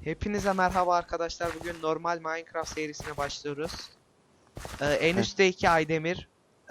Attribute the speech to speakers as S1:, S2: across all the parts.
S1: Hepinize merhaba arkadaşlar. Bugün normal Minecraft serisine başlıyoruz. En üstteki Aydemir.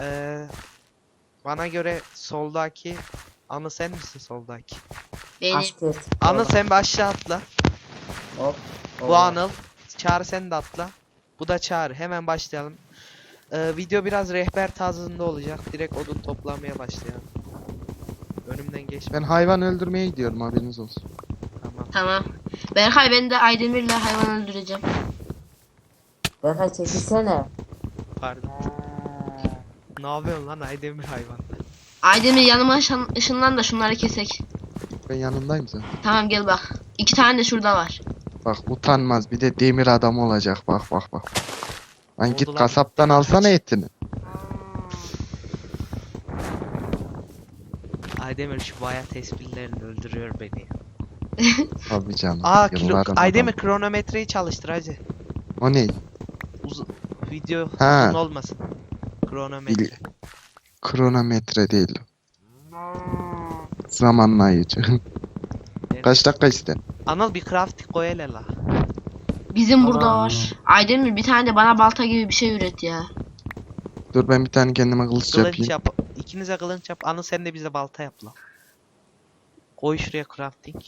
S1: Bana göre soldaki Anı sen misin soldaki?
S2: Benim.
S3: Asker.
S1: Anıl sen bir aşağı atla.
S3: Hop.
S1: Bu Anıl. Çağrı sen de atla. Bu da Çağrı. Hemen başlayalım. Video biraz rehber tarzında olacak. Direkt odun toplamaya başlayalım. Önümden geç.
S4: Ben hayvan öldürmeye gidiyorum, haberiniz olsun.
S1: Tamam.
S2: Tamam. Berkay, ben de Aydemir'le hayvan öldüreceğim.
S3: Berkay çekilsene.
S1: Pardon. Ne yapıyorsun lan Aydemir hayvan?
S2: Aydemir yanıma ışınlan da şunları kesek.
S4: Ben yanındayım sen.
S2: Tamam, gel bak. 2 tane de şurada var.
S4: Bak utanmaz, bir de demir adam olacak, bak bak bak. Lan
S1: Oldu
S4: git
S1: lan.
S4: kasaptan alsana etini.
S1: Aydemir şu bayat esprilerini öldürüyor beni.
S4: Tabii canım.
S1: Aydemir
S4: yılların adamı.
S1: kronometreyi çalıştır hacı.
S4: O ne?
S1: Video
S4: Ha.
S1: uzun olmasın. Kronometre.
S4: Kronometre değil. Zamanlayıcı. Kaç dakika iste?
S1: Anıl bir crafting koy hele la.
S2: Bizim burada
S3: Tamam.
S2: var. Aydemir, bir tane de bana balta gibi bir şey üret ya.
S4: Dur ben bir tane kendime kılıç
S1: Kılınç
S4: yapayım.
S1: yap. İkinize kılınç yap. Anıl sen de bize balta yap la. Koy şuraya crafting.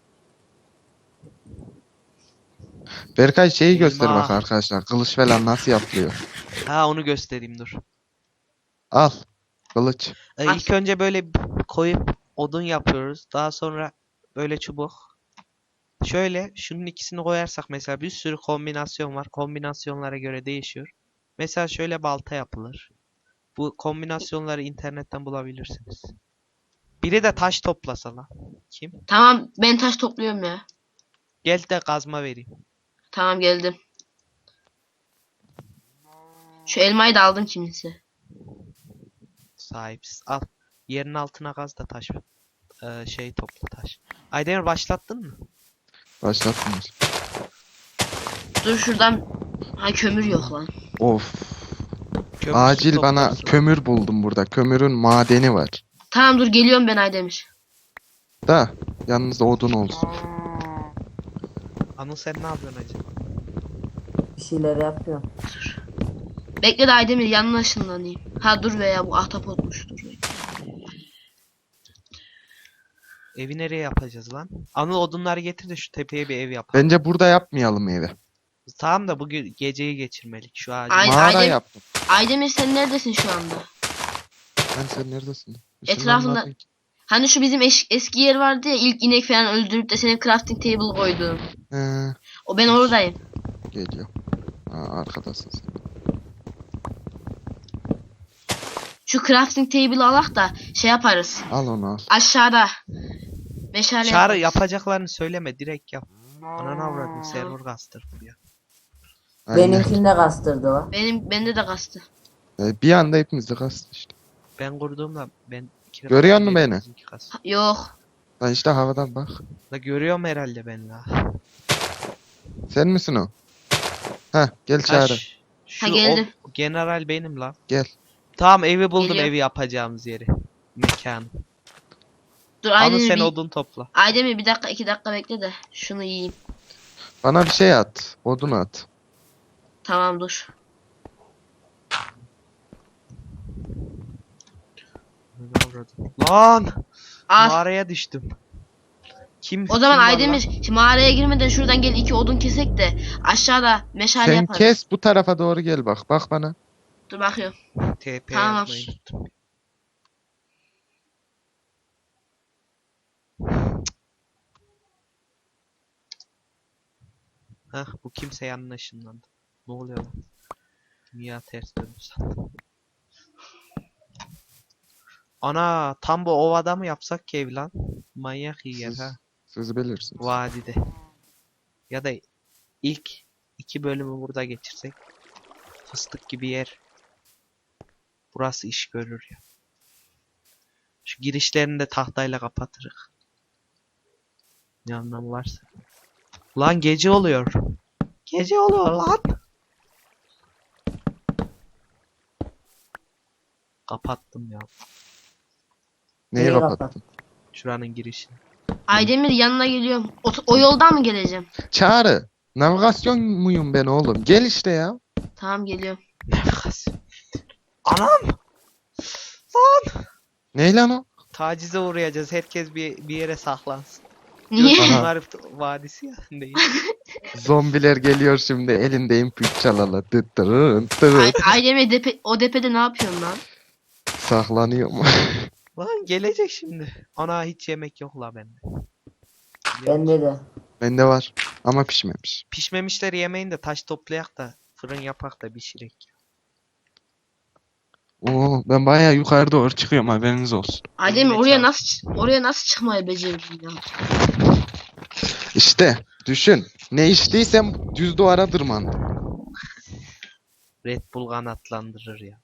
S4: Berkay şeyi göster
S1: Elma.
S4: bak arkadaşlar. Kılıç falan nasıl yapılıyor.
S1: Ha onu göstereyim dur.
S4: Al. Kılıç.
S1: İlk önce böyle koyup odun yapıyoruz. Daha sonra böyle çubuk. Şöyle şunun ikisini koyarsak mesela bir sürü kombinasyon var. Kombinasyonlara göre değişiyor. Mesela şöyle balta yapılır. Bu kombinasyonları internetten bulabilirsiniz. Biri de taş toplasa lan. Kim?
S2: Tamam, ben taş topluyorum ya.
S1: Gel de kazma vereyim.
S2: Tamam, geldim. Şu elmayı da aldım kimisi.
S1: Sahipsiz. Al. Yerin altına kaz da taş. Şey topla taş. Aydemir başlattın mı?
S4: Başlatmış.
S2: Dur şuradan. Ha, kömür yok lan.
S4: Of.
S1: Kömürsüz
S4: Acil bana
S1: toplarsın.
S4: kömür buldum burada. Kömürün madeni var.
S2: Tamam, dur geliyorum ben Aydemir.
S4: Da yanınızda odun olsun.
S1: Anıl sen ne yapıyorsun acaba?
S3: Bir şeyler yapıyorum.
S2: Bekle de Aydemir, yanına ışınlanayım. Ha dur, veya bu ahtapotmuş, dur.
S1: Evi nereye yapacağız lan? Anıl odunları getir de şu tepeye bir ev yapalım.
S4: Bence burada yapmayalım evi.
S1: Tamam da bugün geceyi geçirmelik şu ağacı.
S4: Mağara yaptım.
S2: Aydemir, sen neredesin şu anda?
S4: Ben sen neredesin?
S2: Etrafında-
S4: Işınlanmadın ki.
S2: Hani şu bizim eski yer vardı ya, ilk inek falan öldürüp de senin crafting table koyduğun.
S4: He,
S2: O, ben oradayım.
S4: geliyor. Arkadasın sen.
S2: Şu crafting table'ı alak da şey yaparız.
S4: Al onu al.
S2: Aşağıda. Meşale
S1: Çağrı
S2: yaparız.
S1: yapacaklarını söyleme direkt yap. Ananı avradın server kastır ya.
S4: Aynen.
S3: Benimkini de kastırdı o.
S2: Bende de kastı.
S4: Bir anda hepimiz de kastı işte.
S1: Ben kurduğumda ben
S4: Görüyor musun beni?
S2: Yok.
S4: Lan işte havadan bak.
S1: La görüyorum herhalde ben la.
S4: Sen misin o? Heh gel Çağrı.
S1: Şu
S2: Ha, geldim.
S1: o general benim la.
S4: Gel.
S1: Tamam evi buldum,
S2: Geliyorum.
S1: evi yapacağımız yeri. Mekan.
S2: Dur
S1: Anıl
S2: Aydemir,
S1: sen odun topla.
S2: Aydemir bir dakika 2 dakika bekle de şunu yiyeyim.
S4: Bana bir şey at. Odun at.
S2: Tamam, dur.
S1: Ananı avradın. Lan!
S2: Al.
S1: Mağaraya düştüm. Kim?
S2: O zaman
S1: kim var lan?
S2: Aydemir, şimdi mağaraya girmeden şuradan gel, 2 odun kesek de aşağıda meşale
S4: Sen
S2: yaparız.
S4: kes bu tarafa doğru gel bak. Bak bana.
S2: Dur bakıyorum.
S1: TP
S2: Tamam.
S1: yazmayı unuttum. Hah bu kimse yanına ışınlandı. Ne oluyor lan? Dünya ters döndü sandım. Ana tam bu ovada mı yapsak ki ev lan? Manyak iyi yer
S4: Siz,
S1: ha.
S4: siz bilirsiniz.
S1: Vadide. Ya da ilk 2 bölümü burada geçirsek. Fıstık gibi yer. Burası iş görür ya. Şu girişlerini de tahtayla kapatırız. Ne anlamı varsa. Lan gece oluyor. Gece oluyor lan. Kapattım ya.
S4: Neyi
S3: Neyi
S4: kapattın?
S1: Şuranın girişini.
S2: Aydemir yanına geliyorum. O yoldan mı geleceğim?
S4: Çağrı. Navigasyon muyum ben oğlum? Gel işte ya.
S2: Tamam geliyorum.
S1: Navigasyon. Anam! Lan!
S4: Ne lan o?
S1: Tacize uğrayacağız. Herkes bir yere saklansın.
S2: Niye?
S4: Aha.
S1: Bunlar vadisi ya. Değil.
S4: Zombiler geliyor şimdi. Elinde MP3 çalalı. Dıt dırın dırın.
S2: Aydemir o depede ne yapıyorsun lan?
S4: Saklanıyor mu?
S1: Lan gelecek şimdi. Ana hiç yemek yok la bende.
S3: Bende de.
S4: Bende var. Ama pişmemiş.
S1: Pişmemişleri yemeyin de taş toplayak da fırın yapak da pişirek.
S4: Oo, ben bayağı yukarı doğru çıkıyorum, haberiniz olsun.
S2: Aydemir
S1: Eline
S2: oraya nasıl çıkmayı becerdin ya?
S4: İşte düşün. Ne içtiysem düz duvara tırmandım.
S1: Red Bull kanatlandırır ya.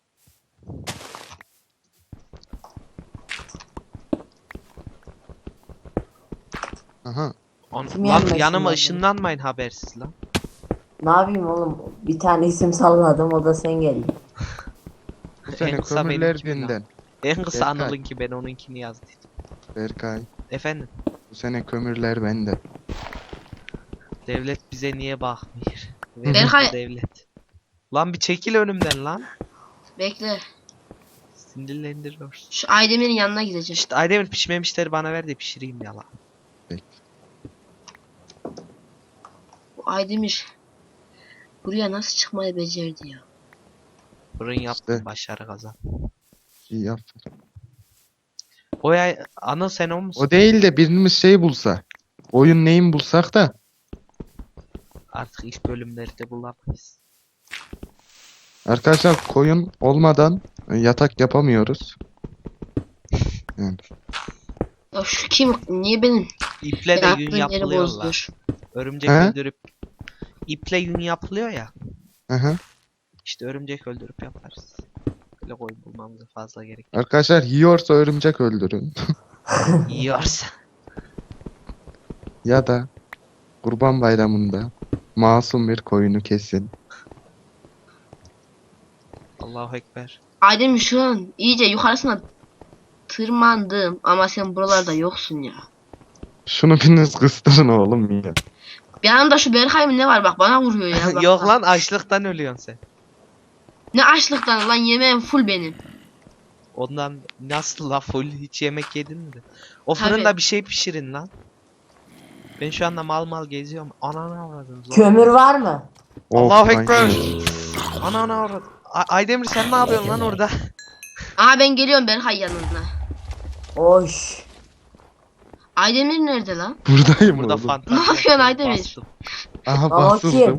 S4: Aha.
S3: Kim
S1: Lan
S3: yenmesin
S1: yanıma
S3: lan?
S1: ışınlanmayın habersiz lan.
S3: Ne yapayım oğlum? Bir tane isim salladım, o da sen geldin.
S4: Bu sene
S1: En kısa
S4: kömürler
S1: benimki mi lan?
S4: dinden.
S1: En kısa
S4: Berkay.
S1: Anıl'ınki ben onunkini yazdım.
S4: Berkay.
S1: Efendim
S4: Bu sene kömürler bende.
S1: devlet bize niye bakmıyor?
S2: Berkay-
S1: Verin devlet. Lan bir çekil önümden lan.
S2: Bekle.
S1: Sinirlendiriyorsun.
S2: Şu Aydemir'in yanına gideceğim.
S1: İşte Aydemir pişmemişleri bana ver de pişireyim ya lan.
S2: Bu Aydemir buraya nasıl çıkmayı becerdi ya?
S1: Fırın yaptım
S4: İşte.
S1: başarı kazan.
S4: İyi yap.
S1: O ya Anıl sen o musun?
S4: O değil de birimiz şey bulsa. Oyun neyin bulsak da.
S1: Artık iş bölümleri de bulamayız.
S4: Arkadaşlar koyun olmadan yatak yapamıyoruz. Yani.
S2: Ya şu kim? Niye benim
S1: İple de yün
S2: yattığım yeri
S1: yapılıyor lan.
S2: bozdur?
S1: Örümcek
S4: He?
S1: öldürüp iple yün yapılıyor ya.
S4: Aha.
S1: İşte örümcek öldürüp yaparız. Böyle koyun bulmamıza fazla gerek
S4: Arkadaşlar yiyorsa örümcek öldürün.
S1: yiyorsa.
S4: Ya da Kurban Bayramı'nda masum bir koyunu kesin.
S1: Allahu Ekber.
S2: Aydemir şu an iyice yukarısına tırmandım ama sen buralarda yoksun ya.
S4: Şunu biriniz kıstırın oğlum ya.
S2: Bir yanımda şu Berkay mı ne var bak bana vuruyor ya. Bak,
S1: Yok
S2: bak.
S1: lan açlıktan ölüyorsun sen.
S2: Ne açlıktan lan yemeğim full benim.
S1: Ondan nasıl la full hiç yemek yedin mi? O
S2: Tabii.
S1: fırında bir şey pişirin lan. Ben şu anda mal geziyorum. Ananı avradım. zor.
S3: Kömür var mı?
S1: Allahu
S4: Of,
S1: Ekber.
S4: aynen.
S1: Ananı avradım. Aydemir sen ne yapıyorsun lan orada?
S2: Aha ben geliyorum Berkay yanına.
S3: Oş.
S2: Aydemir nerede lan?
S4: Buradayım
S1: Burada
S4: oğlum.
S1: fantazi.
S2: Ne yapıyorsun
S1: yaptım,
S2: Aydemir?
S1: bastım.
S4: Aha
S3: Aa,
S4: basıldım.
S3: kim?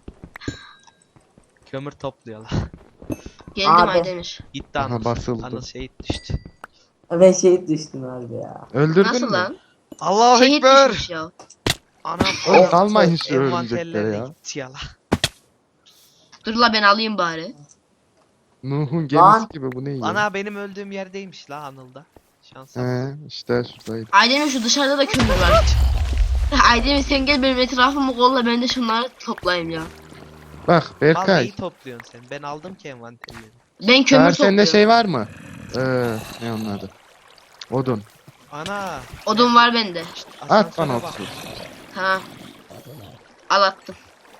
S1: Kömür topluyorlar.
S2: Geldim
S3: Abi.
S2: Aydemir.
S1: Gitti
S4: Aha,
S1: Anıl.
S4: basıldı.
S1: Anıl şehit düştü.
S3: Ben şehit düştüm harbi ya.
S4: Öldürdün
S2: Nasıl
S4: mü?
S2: lan?
S1: Allahu
S2: Şehit
S1: Ekber.
S2: düşmüş ya.
S1: Anam.
S4: Oğlum kalmayın şu
S1: Envanterlere
S4: örümceklere ya.
S1: gitti ya la.
S2: Dur la ben alayım bari.
S4: Nuh'un gemisi
S3: Lan.
S4: gibi bu ne ya?
S1: Ana benim öldüğüm yerdeymiş la Anıl'da. Şansa bak.
S4: He işte şuradaydı.
S2: Aydemir şu dışarıda da kömür var. Aydemir sen gel benim etrafımı kolla ben de şunları toplayayım ya.
S4: Bak
S1: Mal
S4: Berkay.
S1: neyi topluyorsun sen? Ben aldım ki envanterleri.
S2: Ben kömür
S4: Çağır
S2: topluyorum.
S4: sende şey var mı? Ne onun adı? Odun.
S1: Ana.
S2: Odun var bende.
S4: At
S1: asansöre
S4: bana
S1: bak.
S4: otur.
S2: Ha. Al attım.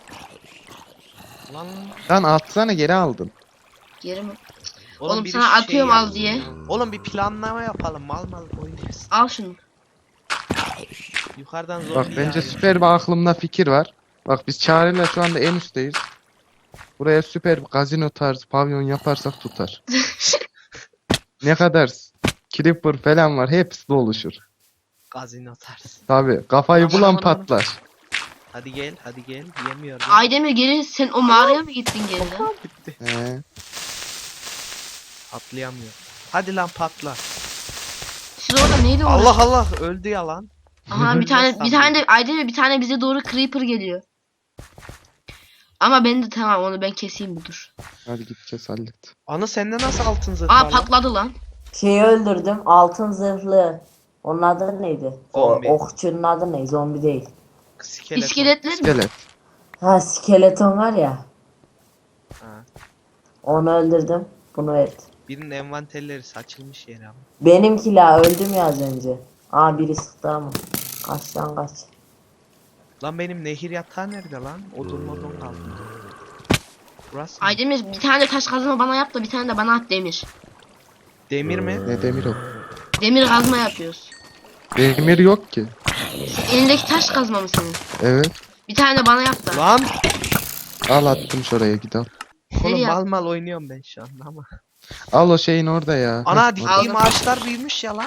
S1: Lan.
S4: Lan atsana, geri aldın.
S2: Geri mi? Oğlum
S1: biri
S2: sana
S1: şu şeyi
S2: atıyorum al
S1: yapsın.
S2: diye.
S1: Oğlum bir planlama yapalım. Mal oynuyoruz.
S2: Al şunu.
S1: Yukarıdan zor
S4: Bak
S1: bir
S4: bence
S1: yağıyor.
S4: süper bir aklımda fikir var. Bak biz Çağrı'yla şu anda en üstteyiz. Buraya süper bir gazino tarzı pavyon yaparsak tutar. Ne kadar creeper falan var, hepsi de oluşur.
S1: Gazino tarzı.
S4: Tabi kafayı
S1: Aman,
S4: bulan
S1: aman, aman.
S4: patlar.
S1: Hadi gel hadi gel. Yemiyor.
S2: Aydemir geri sen o mağaraya mı gittin geri lan?
S1: Bitti.
S4: He.
S1: Atlayamıyor. Hadi lan patla.
S2: Siz orada neydi o?
S1: Allah Allah öldü ya lan.
S2: Aha bir tane de Aydemir bir tane bize doğru creeper geliyor. Ama ben de tamam onu ben keseyim budur.
S4: Hadi gideceğiz, hallet.
S1: Ana sende nasıl altın zırh
S2: Aa
S1: var lan?
S2: patladı lan.
S3: Şeyi öldürdüm. Altın zırhlı. Onun adı neydi?
S1: Zombi.
S3: Okçunun adı ne? Zombi değil.
S1: İskelet.
S2: İskeletler mi?
S4: İskelet.
S3: Ha, skeleton var ya.
S1: Ha.
S3: Onu öldürdüm. Bunu et.
S1: Birinin envanterleri saçılmış yere ama.
S3: Benimki la öldüm ya az önce. Aa, biri sıktı ama. Kaç lan kaç.
S1: Lan benim nehir yatağı nerede lan? Odun kaldı. Burası mı?
S2: Aydemir bir tane de taş kazma bana yap da bir tane de bana at demir.
S1: Demir mi?
S4: Ne demir o?
S2: Demir kazma yapıyoruz.
S4: Demir yok ki.
S2: Elindeki taş kazma mı senin?
S4: Evet.
S2: Bir tane de bana yap da.
S1: Lan!
S4: Al attım şuraya git al.
S1: Oğlum
S2: Nereye
S1: mal mal oynuyorum ben şu anda ama.
S4: Al o şeyin orada ya.
S1: Ana
S4: Heh,
S1: diktiğim
S2: Aldım.
S1: ağaçlar büyümüş ya lan.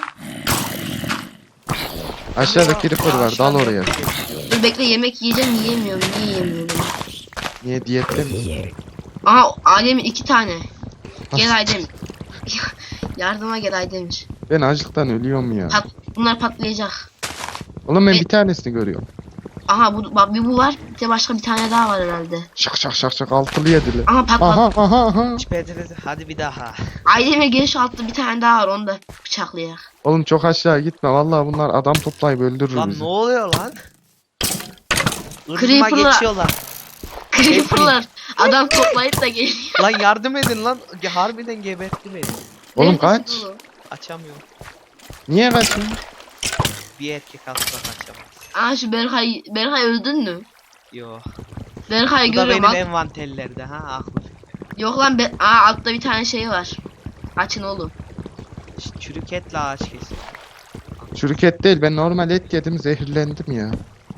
S4: aşağıda creeper var
S1: Ağaçlar
S4: dal oraya.
S2: Dur bekle yemek yiyeceğim yiyemiyorum. Niye yiyemiyorum?
S4: Niye diyette mi?
S2: Aha Aydemir 2 tane. Gel Aydemir. Yardıma gel Aydemir.
S4: Ben açlıktan ölüyorum ya.
S2: Bunlar patlayacak.
S4: Oğlum ben
S2: E-
S4: bir tanesini görüyorum.
S2: Aha bak bir bu var. Bir de başka bir tane daha var herhalde.
S4: Şak şak şak şak altılı yedili.
S2: Aha patladı.
S4: Aha.
S1: Hadi bir daha.
S2: Aydemir gel şu altta bir tane daha var. Onu da bıçaklayak.
S4: Oğlum çok aşağı gitme. Vallahi bunlar adam toplayıp öldürür
S1: Lan
S4: bizi.
S1: ne oluyor lan? Irdıma
S2: Creeper'la-
S1: geçiyorlar.
S2: Creeper'lar adam toplayıp da geliyor.
S1: Lan yardım edin lan. Harbiden gebertti beni.
S4: Oğlum
S2: Neredesin
S4: kaç.
S2: oğlum?
S1: Açamıyorum.
S4: Niye kaçıyorsun?
S1: Bir erkek asla kaçamaz.
S2: Aa şu Berkay öldün mü?
S1: Yo.
S2: Berkay'ı
S1: Bu da
S2: görüyorum.
S1: benim envanterlerde ha aklı.
S2: Yok lan aa altta bir tane şey var. Açın oğlum.
S1: Çürük etle ağaç kesiyor.
S4: Çürük et değil ben normal et yedim zehirlendim ya.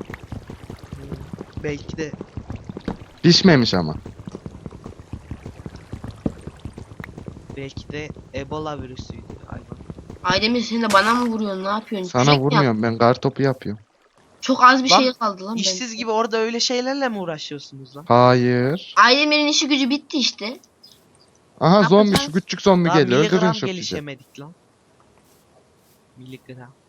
S1: Belki de
S4: Pişmemiş ama.
S1: Ebola virüsüydü hayvan.
S2: Aydemir sen de bana mı vuruyorsun? Ne yapıyorsun?
S4: Sana
S2: Kürek mi yap-
S4: vurmuyorum ben kartopu yapıyorum.
S2: Çok az bir
S1: Lan,
S2: şey kaldı lan.
S1: İşsiz gibi orada öyle şeylerle mi uğraşıyorsunuz lan?
S4: Hayır.
S2: Aydemir'in işi gücü bitti işte.
S4: Aha
S2: Ne
S4: zombi
S2: yapacağız?
S4: şu küçük zombi
S1: Daha
S4: geliyor. Öldürün
S1: miligram
S4: şu bizi.
S1: gelişemedik lan. Miligram.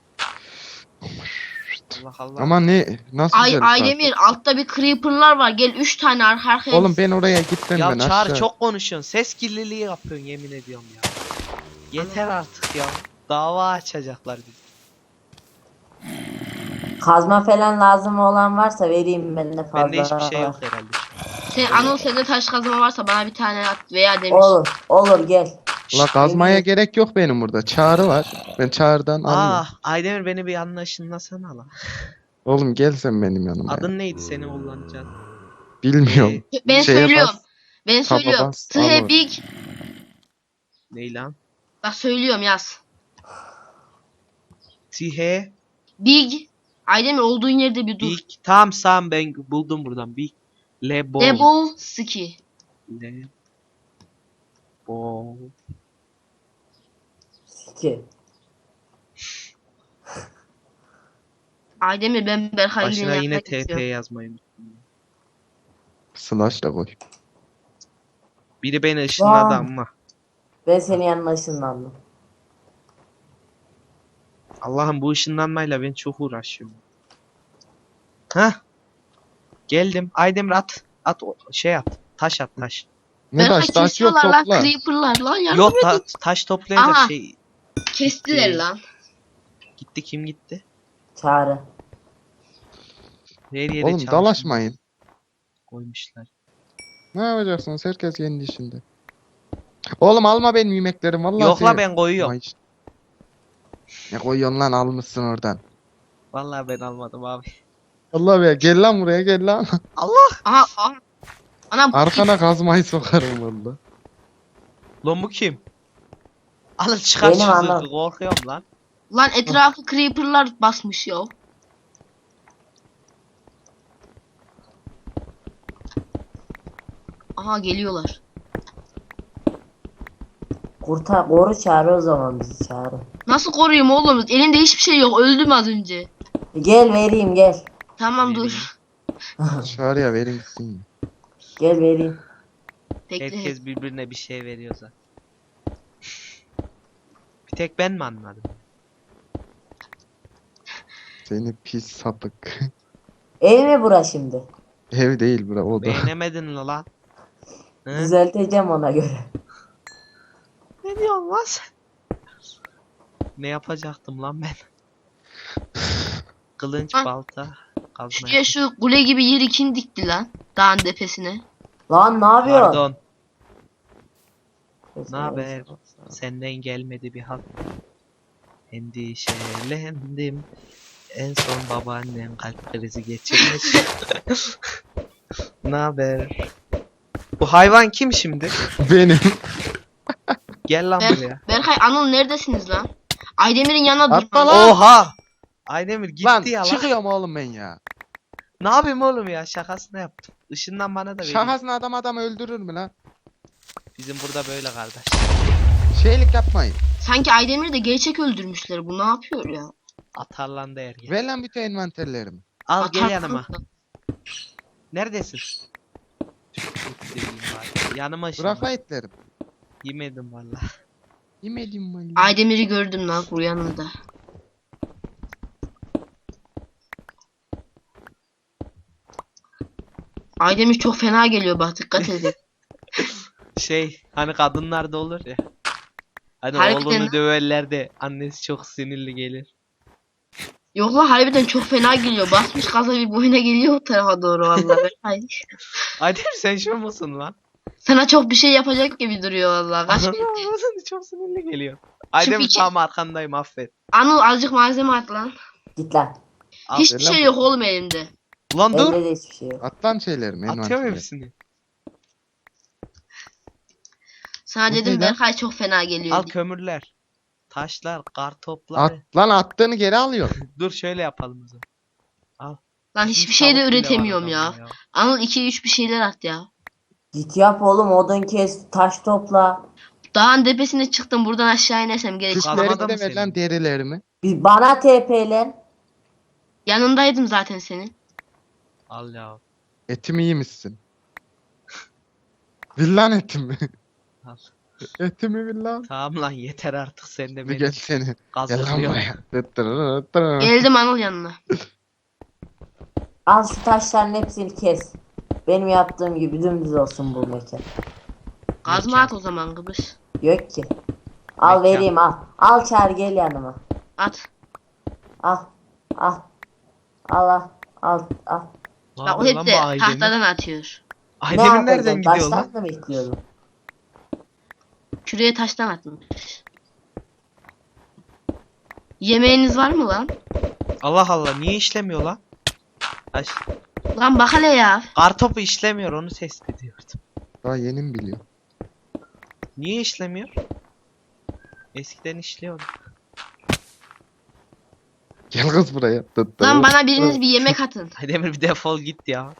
S1: Allah Allah.
S4: Ama ne nasıl güzel bir
S2: Aydemir altta bir creeper'lar var. Gel 3 tane arka
S4: kartopu.
S2: arkaya.
S4: Oğlum ben oraya gitmem
S1: Ya
S4: ben
S1: Çağrı
S4: aşağı.
S1: çok konuşuyorsun. Ses kirliliği yapıyorsun yemin ediyorum ya. Yeter artık ya. Dava açacaklar bizi.
S3: Kazma falan lazım olan varsa vereyim ben de fazla.
S1: Bende hiçbir şey yok herhalde.
S2: Anıl sende taş kazma varsa bana bir tane at veya demir.
S3: Olur gel.
S4: La kazmaya gerek yok benim burada. Çağrı var. Ben çağrıdan alıyorum.
S1: Aydemir beni bir anlaşılmasana lan.
S4: Oğlum gel sen benim yanıma. ya.
S1: Adın neydi seni kullanacağın?
S4: Bilmiyorum.
S2: Ben
S4: Şeye
S2: söylüyorum.
S4: bas,
S2: Ben
S4: taba
S2: söylüyorum.
S4: bas,
S2: Tıhe
S4: al
S2: big.
S1: Ney lan?
S2: Bak söylüyorum yaz.
S1: Tihe
S2: Big. Aydemir olduğun yerde bir dur.
S1: Big. Tamam ben buldum buradan. Big. Lebo.
S2: Double ski.
S1: Lebo.
S3: Ki.
S2: Aydemir ben Berkay'ın
S1: Başına
S2: yanına
S1: yine TP
S2: gidiyorum.
S1: yazmayı unuttum.
S4: slash da koy.
S1: Biri beni ışınladı
S3: Vay.
S1: ama.
S3: Ben senin yanına ışınlandım.
S1: Allah'ım bu ışınlanmayla ben çok uğraşıyorum. Hah. Geldim. Aydemir at. Şey at. Taş at taş.
S4: Ne
S2: Berkay
S4: taş yok
S2: kesiyorlar lan
S4: topla.
S2: creeper'lar lan yardım
S1: Yok
S2: edin.
S1: taş toplayınca
S2: Aha.
S1: şey
S2: Kestiler lan.
S1: gitti kim gitti?
S3: Çağrı.
S1: Her yere
S4: Oğlum
S1: çalışmış
S4: dalaşmayın.
S1: koymuşlar.
S4: Ne yapacaksınız? Herkes kendi işinde. Oğlum alma benim yemeklerim vallahi.
S1: Yok la
S4: seni-
S1: ben koyuyorum.
S4: Ay, ne koyuyorsun lan almışsın oradan.
S1: Vallahi ben almadım abi.
S4: Allah be gel lan buraya gel lan.
S2: Aha. Anam
S4: Arkana kazmayı sokarım valla.
S1: Lan bu kim? Alın çıkar
S3: Benim
S1: şu
S3: anam.
S1: zırhı korkuyorum lan.
S2: lan etrafı creeper'lar basmış ya. Aha geliyorlar.
S3: Koru Çağrı o zaman bizi Çağrı.
S2: Nasıl koruyayım oğlum? Elimde hiçbir şey yok. Öldüm az önce.
S3: Gel vereyim gel.
S2: Tamam
S1: Vereyim.
S2: dur.
S4: Çağrıya verin gitsin.
S3: Gel vereyim.
S2: Bekle.
S1: Herkes birbirine bir şey veriyor zaten. Bir tek ben mi anladım?
S4: Seni pis sapık.
S3: Ev mi bura şimdi?
S4: Ev değil bura o da.
S1: Beğenemedin mi lan? Hı?
S3: Düzelteceğim ona göre.
S1: Ne diyorsun lan sen? Ne yapacaktım lan ben? Kılınç,
S2: Ha.
S1: balta, kazma.
S2: Şuraya şu kule gibi yeri kim dikti lan? Dağın tepesine.
S3: Lan ne yapıyorsun?
S1: Pardon. Ne haber? Senden gelmedi bir hal. Endişelendim. En son babaannen kalp krizi geçirmiş. Ne haber? Bu hayvan kim şimdi?
S4: Benim.
S1: Gel lan
S2: Ber
S1: buraya.
S2: Berkay, Anıl neredesiniz lan? Aydemir'in yanına
S4: Atla
S2: dur.
S4: lan.
S1: Oha! Aydemir gitti
S4: Lan
S1: ya lan.
S4: çıkıyorum oğlum ben ya.
S1: Ne yapayım oğlum ya? Şakasını yaptım. Işından bana da verin.
S4: Şakasına adam öldürür mü lan?
S1: Bizim burada böyle kardeş.
S4: Şeylik yapmayın.
S2: Sanki Aydemir'i de gerçek öldürmüşler. Bu ne yapıyor ya?
S1: Atarlandı ergen.
S4: Ver lan bütün envanterlerimi.
S1: Al
S2: Atar-
S1: gel yanıma. Neredesin? Yanıma şimdi.
S4: Bırak lan etlerim.
S1: Yemedim valla.
S4: Yemedim valla.
S2: Aydemir'i gördüm lan bu yanında. Aydemir çok fena geliyor, bak dikkat edin.
S1: Şey hani kadınlarda olur ya. Hani
S2: Harbiden
S1: oğlunu
S2: ha.
S1: döverler de annesi çok sinirli gelir.
S2: Yok lan, harbiden çok fena geliyor. Basmış gaza bir boyuna geliyor o tarafa doğru vallahi. Ay.
S1: Hadi sen şu musun lan?
S2: Sana çok bir şey yapacak gibi duruyor vallahi. Kaç bir...
S1: Çok sinirli geliyor. Aydemir
S2: iki-
S1: tam arkandayım affet.
S2: Anıl azıcık malzeme at lan.
S3: Git lan.
S1: Al.
S2: Hiçbir
S4: lan
S2: şey
S4: bu-
S2: yok oğlum elimde.
S1: Ulan dur.
S3: Elde de hiçbir şey yok.
S4: At lan şeylerimi
S1: Atıyorum
S4: envanterimi.
S1: hepsini.
S2: Sana
S4: Bu
S2: dedim
S4: ne lan?
S2: Berkay çok fena geliyor
S1: Al
S2: diye.
S1: kömürler. Taşlar, kartopları.
S4: At lan attığını geri alıyor.
S1: Dur şöyle yapalım o zaman.
S2: Lan
S1: Bizim
S2: hiçbir şey de
S1: tavuk bile var
S2: üretemiyorum ya.
S1: adamın
S2: Anıl 2-3 bir şeyler at ya.
S3: Git yap oğlum, odun kes, taş topla.
S2: Dağın tepesine çıktım, buradan aşağı inersem gerek.
S1: Kazmada
S4: Kuşlarımı
S1: mı
S4: de ver lan
S1: senin?
S4: derilerimi.
S3: Bir bana TP'len.
S2: Yanındaydım zaten senin.
S1: Al ya.
S4: Etimi yemişsin. Villan etimi.
S1: Al.
S4: Etimi villan.
S1: Tamam lan yeter artık sen de
S4: Bir
S1: beni
S4: gel seni. Gel lan
S1: kazıklıyorsun.
S4: buraya. Tıttırı.
S2: Geldim Anıl yanına.
S3: Al şu taşların hepsini kes. Benim yaptığım gibi dümdüz olsun bu mekan.
S2: Kazma at o zaman Kıbrıs.
S3: Yok ki. Al
S1: Mekan.
S3: vereyim al. Al çağır gel yanıma.
S2: At.
S3: Al. Al. Al al. Al al.
S1: Ne
S2: Bak o
S1: yapıyor
S2: hep
S1: lan
S2: de
S1: bu Aydemir?
S2: tahtadan atıyor.
S3: Ne
S1: Aydemir nereden
S3: yapacaksın?
S1: gidiyor lan?
S3: Taştan mı bekliyordun?
S2: Küreye taştan atmış. Yemeğiniz var mı lan?
S1: Allah Allah niye işlemiyor lan? Taş.
S2: Lan bak hele ya.
S1: Kartopu işlemiyor onu test ediyordum.
S4: Daha yeni mi biliyor?
S1: Niye işlemiyor? Eskiden işliyordu.
S4: Gel kız buraya. Tıttırı.
S2: Lan bana biriniz bir yemek atın.
S1: Aydemir bir defol git ya.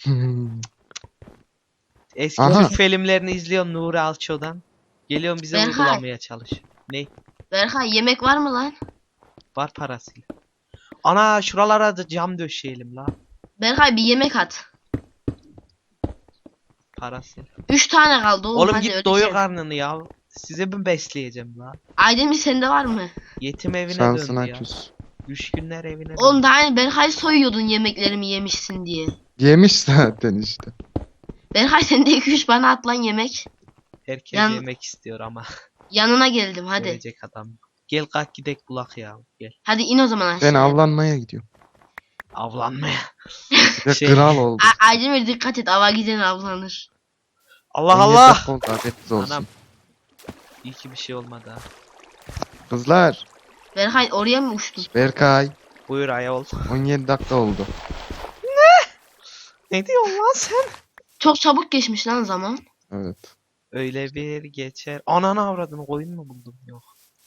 S1: Eski
S4: Aha.
S1: Türk filmlerini izliyorum Nuri Alço'dan. Geliyorum bize
S2: Berkay.
S1: uygulamaya çalış. Ne?
S2: Berkay yemek var mı lan?
S1: Var parasıyla. Ana şuralara da cam döşeyelim la.
S2: Berkay bir yemek at.
S1: Parasıyla.
S2: 3 tane kaldı oğlum,
S1: Oğlum
S2: hadi
S1: git doyur
S2: öleceğim.
S1: karnını ya. Size mi besleyeceğim la?
S2: Aydemir sende var mı?
S1: Yetim evine
S4: Şansına
S1: döndü ya.
S4: küs.
S1: Düşkünler evine
S2: Oğlum
S1: döndü.
S2: daha hani Berkay soyuyordun yemeklerimi yemişsin diye.
S4: Yemiş zaten işte.
S2: Berkay sen de 2-3 bana at lan yemek.
S1: Herkes
S2: Yan-
S1: yemek istiyor ama.
S2: Yanına geldim hadi.
S1: Görecek adam. Gel kalk gidek bulak ya. Gel.
S2: Hadi in o zaman
S4: Ben
S2: aşağıya.
S4: avlanmaya gidiyorum.
S1: Avlanmaya.
S4: Ve
S1: Şey-
S4: kral oldu.
S2: Aydemir dikkat et, ava giden avlanır.
S1: Allah
S4: 17
S1: Allah.
S4: dakika oldu, haberiniz olsun.
S1: Anam. İyi ki bir şey olmadı ha.
S4: Kızlar.
S2: Berkay oraya mı uçtun?
S4: Berkay.
S1: Buyur ayol.
S4: 17 dakika oldu.
S1: Ne diyorsun lan sen?
S2: Çok çabuk geçmiş lan zaman.
S4: Evet.
S1: Öyle bir geçer. Ananı avradını koyun mu buldum? Yok.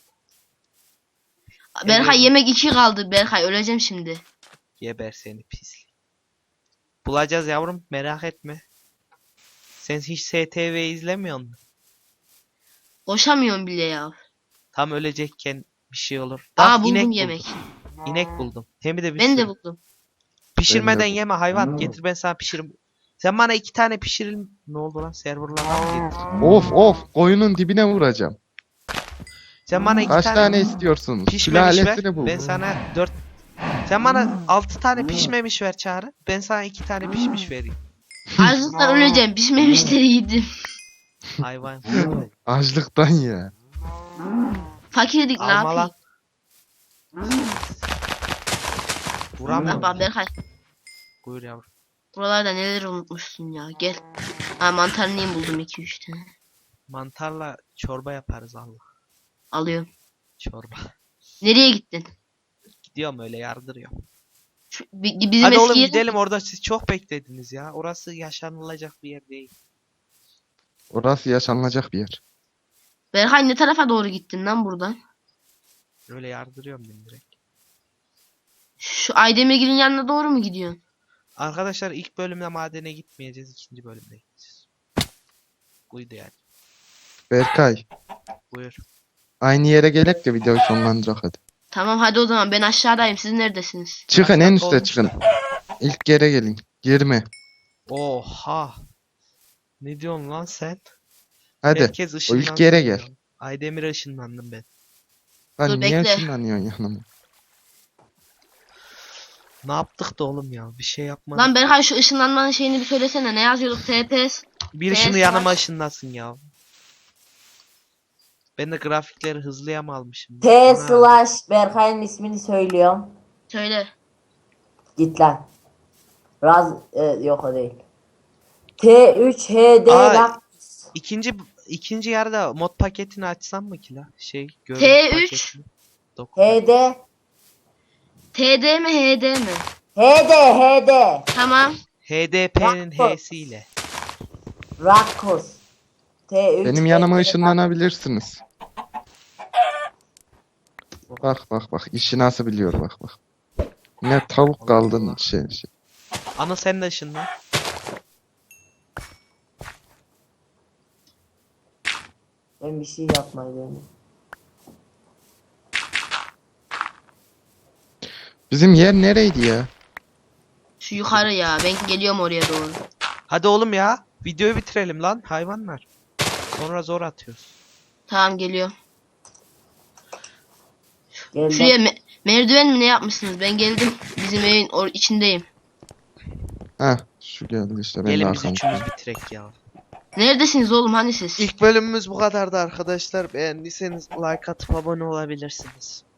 S2: Berkay
S1: Evet.
S2: yemek 2 kaldı. Berkay öleceğim şimdi.
S1: Geber seni pislik. Bulacağız yavrum merak etme. Sen hiç STV izlemiyor musun?
S2: Koşamıyorum bile ya.
S1: Tam ölecekken bir şey olur.
S2: Aa
S1: Bak,
S2: buldum
S1: inek
S2: yemek.
S1: buldum. İnek buldum. Hem de bir
S2: Ben de
S1: sürü.
S2: buldum.
S1: Pişirmeden
S4: Ben de
S1: yeme hayvan. Getir ben sana pişiririm. Sen bana 2 tane pişirin. Ne oldu lan serverlardan mı getir?
S4: Of of koyunun dibine vuracağım.
S1: Sen bana 2
S4: Kaç
S1: tane,
S4: tane istiyorsunuz?
S1: pişmemiş ver.
S4: Sülalesini bul.
S1: Ben sana 4. Sen bana 6 tane pişmemiş ver Çağrı. Ben sana 2 tane pişmiş vereyim.
S2: Açlıktan öleceğim. Pişmemişleri yedim.
S1: Hayvan.
S4: Açlıktan ya.
S2: Fakirdik ne
S1: Alma lan.
S2: yapayım?
S1: Vuramıyorum.
S2: Bak Berkay.
S1: Buyur yavrum.
S2: Buralarda neler unutmuşsun ya. Gel. Ha mantarlıyım buldum 2-3 tane.
S1: Mantarla çorba yaparız Allah.
S2: Alıyorum.
S1: Çorba.
S2: Nereye gittin?
S1: Gidiyorum Gidiyorum öyle yardırıyorum.
S2: Bizim
S1: Hadi
S2: eski
S1: oğlum
S2: yere-
S1: gidelim, orada siz çok beklediniz ya. Orası yaşanılacak bir yer değil.
S4: Orası yaşanılacak bir yer.
S2: Berkay ne tarafa doğru gittin lan buradan?
S1: Öyle yardırıyorum ben direkt.
S2: Şu Aydemirgil'in yanına doğru mu gidiyorsun?
S1: Arkadaşlar ilk bölümde madene gitmeyeceğiz. İkinci bölümde gideceğiz. Buydu yani.
S4: Berkay.
S1: Buyur.
S4: Aynı yere gelek de videoyu sonlandırak hadi.
S2: Tamam hadi o zaman ben aşağıdayım. Siz neredesiniz?
S4: Çıkın en üste
S1: olmuş
S4: çıkın. İlk yere gelin. 20.
S1: Oha. Ne diyorsun lan sen?
S4: Hadi.
S1: Herkes
S4: O
S1: ışınlansın
S4: ilk yere
S1: diyor.
S4: gel.
S1: Aydemir'e ışınlandım ben.
S4: Lan
S2: Dur,
S4: niye
S2: bekle.
S4: ışınlanıyorsun yanıma?
S1: Ne yaptık da oğlum ya? Bir şey yapmadık.
S2: Lan Berkay şu ışınlanmanın şeyini bir söylesene. Ne yazıyorduk? TPS.
S1: Bir şunu
S2: PS
S1: yanıma
S2: var.
S1: ışınlasın ya. Ben de grafikleri hızlıya mı almışım?
S3: T
S1: Ana.
S3: slash Berkay'ın ismini söylüyorum.
S2: Söyle.
S3: Git lan. Yok o değil. T3 HD
S1: Aa,
S3: bak.
S1: İkinci yarıda mod paketini açsam mı ki la? Görüntü
S2: T3.
S1: paketini. Dokun.
S3: HD.
S2: TD mi HD mi?
S3: HD.
S2: Tamam.
S1: HDP'nin
S3: Bak.
S1: H'siyle.
S3: Rakkus. T3
S4: Benim yanıma
S3: HD.
S4: ışınlanabilirsiniz. Bak işi nasıl biliyor bak. Ne tavuk kaldın
S1: Allah.
S4: şey.
S1: Ana sen de ışınlan.
S3: Ben bir şey yapmayı deniyorum.
S4: Bizim yer nereydi ya?
S2: Şu yukarı ya. Ben geliyorum oraya doğru.
S1: Hadi oğlum ya. Videoyu bitirelim lan hayvanlar. Sonra zor atıyoruz.
S2: Tamam geliyorum.
S3: Geldim.
S2: Şuraya merdiven mi ne yapmışsınız? Ben geldim. Bizim evin içindeyim.
S4: Heh şu geldi işte ben de
S1: Gelin biz
S4: arkamda.
S1: üçümüz bitirek ya.
S2: Neredesiniz oğlum? Hani siz?
S1: İlk bölümümüz bu kadardı arkadaşlar. Beğendiyseniz like atıp abone olabilirsiniz.